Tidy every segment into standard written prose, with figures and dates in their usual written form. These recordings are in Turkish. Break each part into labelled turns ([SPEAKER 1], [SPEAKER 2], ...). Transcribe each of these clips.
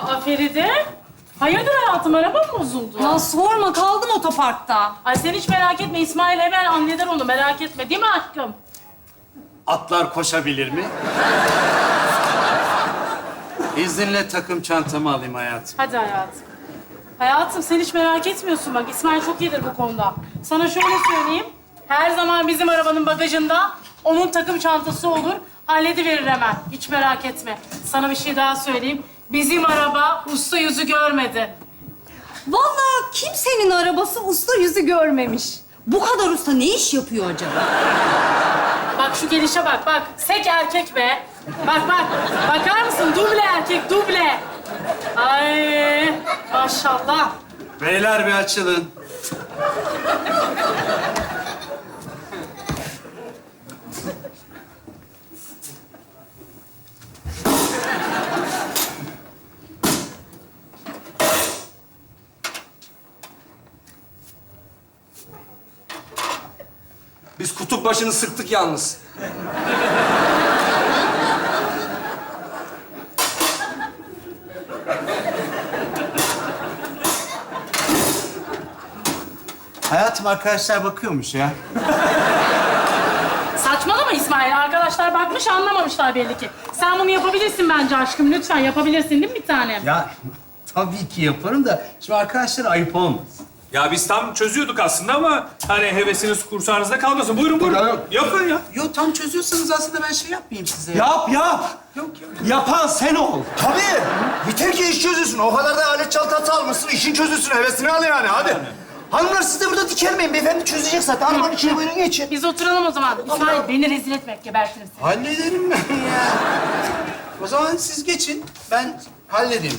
[SPEAKER 1] Aa Feride. Hayırdır hayatım, araba mı bozuldu?
[SPEAKER 2] Ya sorma, kaldım otoparkta.
[SPEAKER 1] Ay sen hiç merak etme, İsmail hemen halleder onu, merak etme. Değil mi aşkım?
[SPEAKER 3] Atlar koşabilir mi? İzninle takım çantamı alayım hayatım.
[SPEAKER 1] Hadi hayatım. Hayatım sen hiç merak etmiyorsun bak. İsmail çok iyidir bu konuda. Sana şöyle söyleyeyim. Her zaman bizim arabanın bagajında onun takım çantası olur. Hallediverir hemen. Hiç merak etme. Sana bir şey daha söyleyeyim. Bizim araba usta yüzü görmedi.
[SPEAKER 2] Vallahi kimsenin arabası usta yüzü görmemiş. Bu kadar usta ne iş yapıyor acaba?
[SPEAKER 1] Bak şu gelişe bak, bak. Sek erkek be. Bak, bak. Bakar mısın? Duble erkek, duble. Ay maşallah.
[SPEAKER 3] Beyler bir açılın.
[SPEAKER 4] Biz kutup başını sıktık yalnız.
[SPEAKER 3] Hayatım arkadaşlar bakıyormuş ya.
[SPEAKER 1] Saçmalama İsmail. Arkadaşlar bakmış, anlamamışlar belli ki. Sen bunu yapabilirsin bence aşkım. Lütfen yapabilirsin değil mi bir tanem?
[SPEAKER 3] Ya tabii ki yaparım da şimdi arkadaşlara ayıp olmaz.
[SPEAKER 5] Ya biz tam çözüyorduk aslında ama hani hevesiniz kursağınızda kalmasın. Buyurun buyurun. Yapın ya.
[SPEAKER 3] Yo tam çözüyorsanız aslında ben şey yapmayayım size.
[SPEAKER 4] Yap yap.
[SPEAKER 3] Yok yok.
[SPEAKER 4] Yapan sen ol.
[SPEAKER 6] Tabii. Yeter ki iş çözülsün. O kadar da alet çantası almışsın. İşin çözülsün. Hevesini al yani. Hadi. Hanımlar siz de burada dikelmeyin. Beyefendi çözecek zaten. Arabanın içine buyurun geçin.
[SPEAKER 1] Biz oturalım o zaman. İsmail beni rezil etme, gebertiriz.
[SPEAKER 3] Hallederim ben ya. O zaman siz geçin. Ben halledeyim.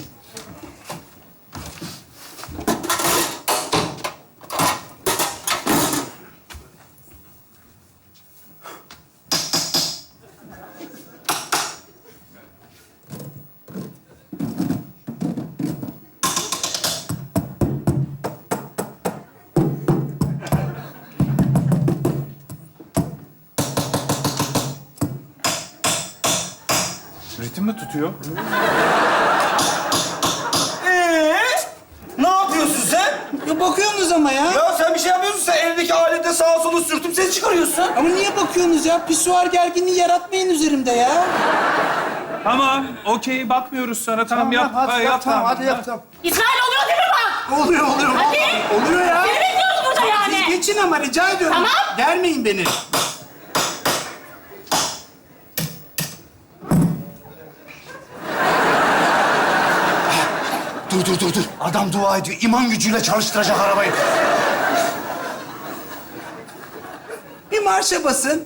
[SPEAKER 5] Ritim mi tutuyor?
[SPEAKER 6] Ne yapıyorsun sen?
[SPEAKER 4] Ya bakıyorsunuz ama ya.
[SPEAKER 6] Ya sen bir şey yapıyorsun. Sen evdeki alete sağa sola sürtüp ses çıkarıyorsun.
[SPEAKER 4] Ama niye bakıyorsunuz ya? Pisuar gerginliği yaratmayın üzerimde ya.
[SPEAKER 5] Tamam, okey. Bakmıyoruz sana. Tamam, yap.
[SPEAKER 6] Hadi yap tamam. Hadi yap tamam.
[SPEAKER 1] İsmail oluyor değil mi bak?
[SPEAKER 6] Oluyor.
[SPEAKER 1] Hadi.
[SPEAKER 6] Oluyor ya.
[SPEAKER 1] Seni bekliyoruz burada yani.
[SPEAKER 3] Siz geçin ama rica ediyorum.
[SPEAKER 1] Tamam.
[SPEAKER 3] Germeyin beni.
[SPEAKER 6] Dur. Adam dua ediyor. İman gücüyle çalıştıracak arabayı.
[SPEAKER 3] Bir marşa basın.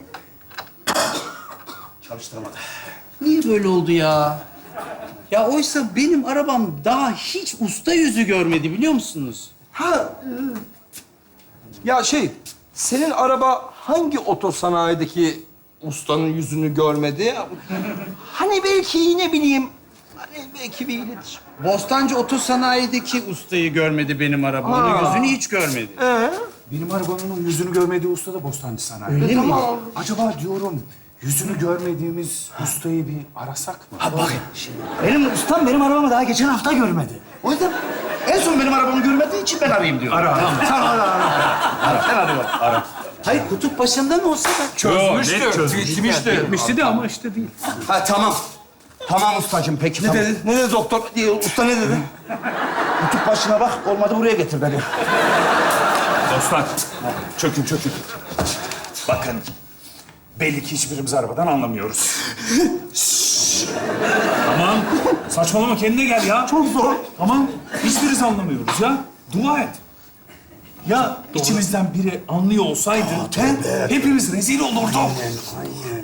[SPEAKER 6] Çalıştıramadı.
[SPEAKER 3] Niye böyle oldu ya? Ya oysa benim arabam daha hiç usta yüzü görmedi biliyor musunuz?
[SPEAKER 4] Ya senin araba hangi otosanayideki ustanın yüzünü görmedi? Hani belki ne bileyim, hani belki bir iletişim.
[SPEAKER 3] Bostancı Otosanayi'deki ustayı görmedi benim arabam. Onun yüzünü hiç görmedi.
[SPEAKER 7] Benim arabanın yüzünü görmediği usta da Bostancı Sanayi.
[SPEAKER 3] Öyle mi?
[SPEAKER 7] Acaba diyorum yüzünü görmediğimiz ustayı bir arasak mı?
[SPEAKER 6] Ha bak şimdi. Benim ustam benim arabamı daha geçen hafta görmedi. O yüzden en son benim arabamı görmediği için ben arayayım diyorum.
[SPEAKER 7] Ara.
[SPEAKER 6] Tamam ara. Ben arıyorum.
[SPEAKER 3] Hayır kutup başından olsa da.
[SPEAKER 5] Bitmişti de ama işte değil.
[SPEAKER 6] Ha tamam. Tamam ustacığım peki. Ne dedi? Ne dedi doktor? Usta ne dedi? Kutup başına bak. Olmadı buraya getir beni.
[SPEAKER 7] Dostlar, çökün. Bakın, belli ki hiçbirimiz arabadan anlamıyoruz.
[SPEAKER 5] Tamam. Saçmalama, kendine gel ya.
[SPEAKER 6] Çok zor.
[SPEAKER 5] Tamam. Hiçbiriz anlamıyoruz ya. Dua et. Ya içimizden biri anlıyor olsaydı hepimiz rezil olurduk.
[SPEAKER 6] Aynen.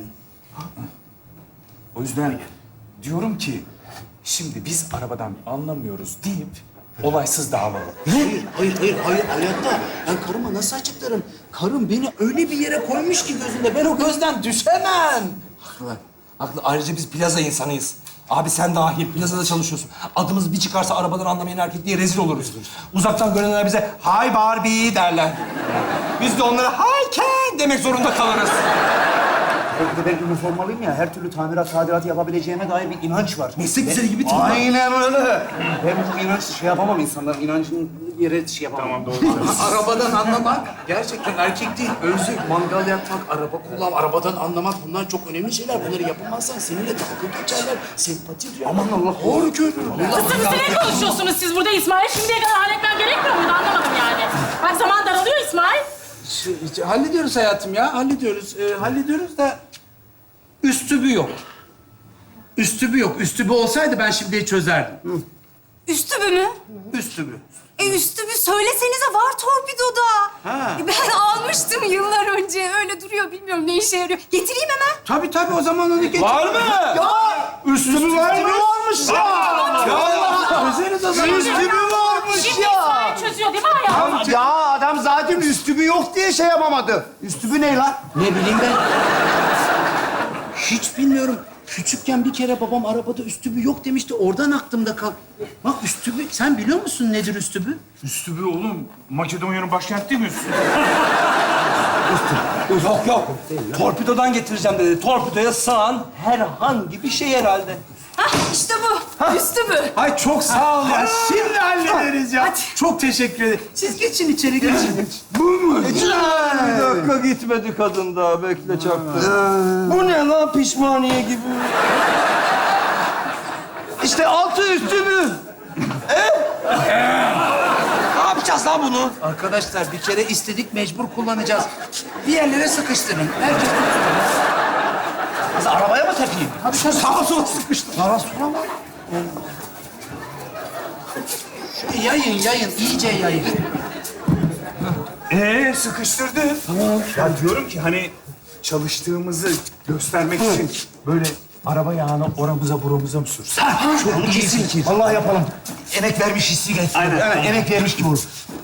[SPEAKER 7] O yüzden diyorum ki, şimdi biz arabadan anlamıyoruz deyip olaysız dağılalım.
[SPEAKER 3] Hayır hayatta. Ben karıma nasıl açıklarım? Karım beni öyle bir yere koymuş ki gözünde. Ben o gözden düşemem.
[SPEAKER 4] Haklı. Ayrıca biz plaza insanıyız. Abi sen dahil plazada çalışıyorsun. Adımız bir çıkarsa arabadan anlamayan erkek diye rezil oluruz. Uzaktan görenler bize "Hi Barbie" derler. Biz de onlara "Hi Ken" demek zorunda kalırız.
[SPEAKER 6] Belki de ben üniformalıyım ya, her türlü tamirat, tadilatı yapabileceğime dair bir inanç var.
[SPEAKER 3] Meslek liseli gibi tip var.
[SPEAKER 6] Aynen öyle. Ben bu inançla şey yapamam, insanların inancının yere şey yapamam.
[SPEAKER 5] Tamam, doğru.
[SPEAKER 3] Arabadan anlamak gerçekten erkek değil. Özlük, mangal yakmak, araba kullan, arabadan anlamak bunlar çok önemli şeyler. Bunları yapamazsan seninle dalga geçerler, sempati duyar. Aman Allah, doğru görüyor.
[SPEAKER 1] Kızım ne konuşuyorsunuz siz burada İsmail? Şimdiye kadar halletmen gerekmiyor muydu anlamadım yani. Bak zaman daralıyor İsmail.
[SPEAKER 3] Hallediyoruz hayatım ya, hallediyoruz. Hallediyoruz da üstübü yok. Üstübü yok. Üstübü olsaydı ben şimdi çözerdim.
[SPEAKER 2] Üstübü mü?
[SPEAKER 3] Üstübü.
[SPEAKER 2] Üstübü söylesenize var torpidoda.
[SPEAKER 3] Ha.
[SPEAKER 2] Ben almıştım yıllar önce. Öyle duruyor bilmiyorum ne işe yarıyor. Getireyim hemen.
[SPEAKER 3] Tabii onu zaman onu getir.
[SPEAKER 4] Var mı?
[SPEAKER 3] Üstübü varmış ya. Çözeriz o zaman.
[SPEAKER 6] Üstübü varmış
[SPEAKER 1] Şimdi
[SPEAKER 6] ya.
[SPEAKER 1] İsmail çözüyor değil mi hayatım?
[SPEAKER 6] Ya adam zaten üstübü yok diye şey yapamadı. Üstübü ne lan?
[SPEAKER 3] Ne bileyim ben. Hiç bilmiyorum. Küçükken bir kere babam arabada üstübü yok demişti. Oradan aklımda kal. Bak üstübü, sen biliyor musun nedir üstübü?
[SPEAKER 5] Üstübü oğlum. Makedonya'nın başkenti değil mi Üstübü?
[SPEAKER 4] Yok yok. Torpidodan getireceğim dedi. Torpidoya sığan herhangi bir şey herhalde.
[SPEAKER 2] Hah işte bu. Üstübü.
[SPEAKER 3] Ay çok sağ ol ya. Şimdi hallederiz ya. Çok teşekkür ederim. Siz geçin içeri, geçin.
[SPEAKER 4] Bu mu? Bir dakika gitmedi kadın daha. Bekle çaktı. Bu ne lan pişmaniye gibi? İşte altı üstü mü? Ne yapacağız lan bunu?
[SPEAKER 3] Arkadaşlar bir kere istedik, mecbur kullanacağız. Bir yerlere sıkıştırın. Herkes
[SPEAKER 6] Kız arabaya mı takayım?
[SPEAKER 3] Tabii sağa sola sıkıştır.
[SPEAKER 6] Sağa sola mı?
[SPEAKER 3] Şöyle yayın, iyice yayın.
[SPEAKER 5] Sıkıştırdın. Tamam. Ya diyorum ki hani çalıştığımızı göstermek için böyle araba yağını oramıza buramıza mı sürsün?
[SPEAKER 6] Çok iyi fikir. Vallahi yapalım. Emek vermiş hissi gelsin.
[SPEAKER 5] Aynen.
[SPEAKER 6] Evet, emek vermiş gibi olur.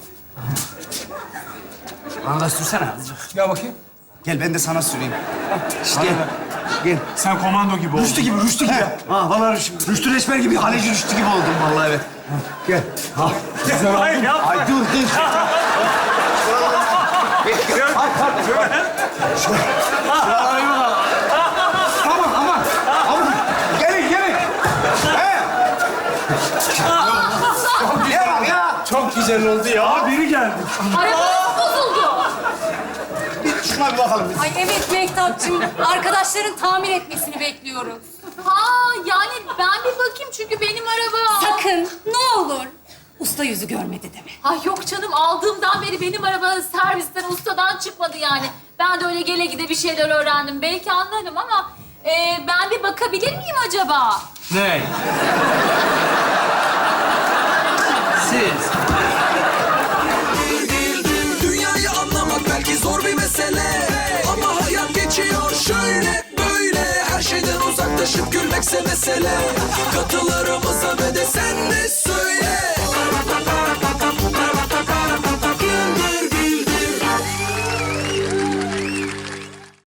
[SPEAKER 3] Bana da sürsene.
[SPEAKER 4] Gel bakayım.
[SPEAKER 6] Gel ben de sana süreyim. İşte gel. Gel.
[SPEAKER 5] Sen komando gibi oldun.
[SPEAKER 6] Rüştü gibi. Ha, vallahi Rüştü Reçber gibi, Haleci Rüştü gibi oldum vallahi evet. Gel. Ha.
[SPEAKER 5] Güzel oldu.
[SPEAKER 6] Ay dur. Aman. Gelin. Gel ya.
[SPEAKER 3] Çok güzel oldu ya.
[SPEAKER 5] Biri geldi.
[SPEAKER 2] Arabamız bozuldu.
[SPEAKER 6] Bir şuna bir bakalım biz.
[SPEAKER 2] Ay evet Mehtapçığım. Arkadaşların tamir etmesini bekliyoruz.
[SPEAKER 8] Yani ben bir bakayım çünkü benim araba...
[SPEAKER 2] Sakın ne olur. Usta yüzü görmedi deme.
[SPEAKER 8] Ay yok canım aldığımdan beri benim araba servisten, ustadan çıkmadı yani. Ben de öyle gele gide bir şeyler öğrendim. Belki anlarım ama ben bir bakabilir miyim acaba?
[SPEAKER 3] Ne? Siz.
[SPEAKER 9] Dünyayı anlamak belki zor bir mesele, ama hayat geçiyor şöyle böyle. Her şeyden uzaklaşıp gülmekse mesele. Katılarımıza ve de sen de söyle.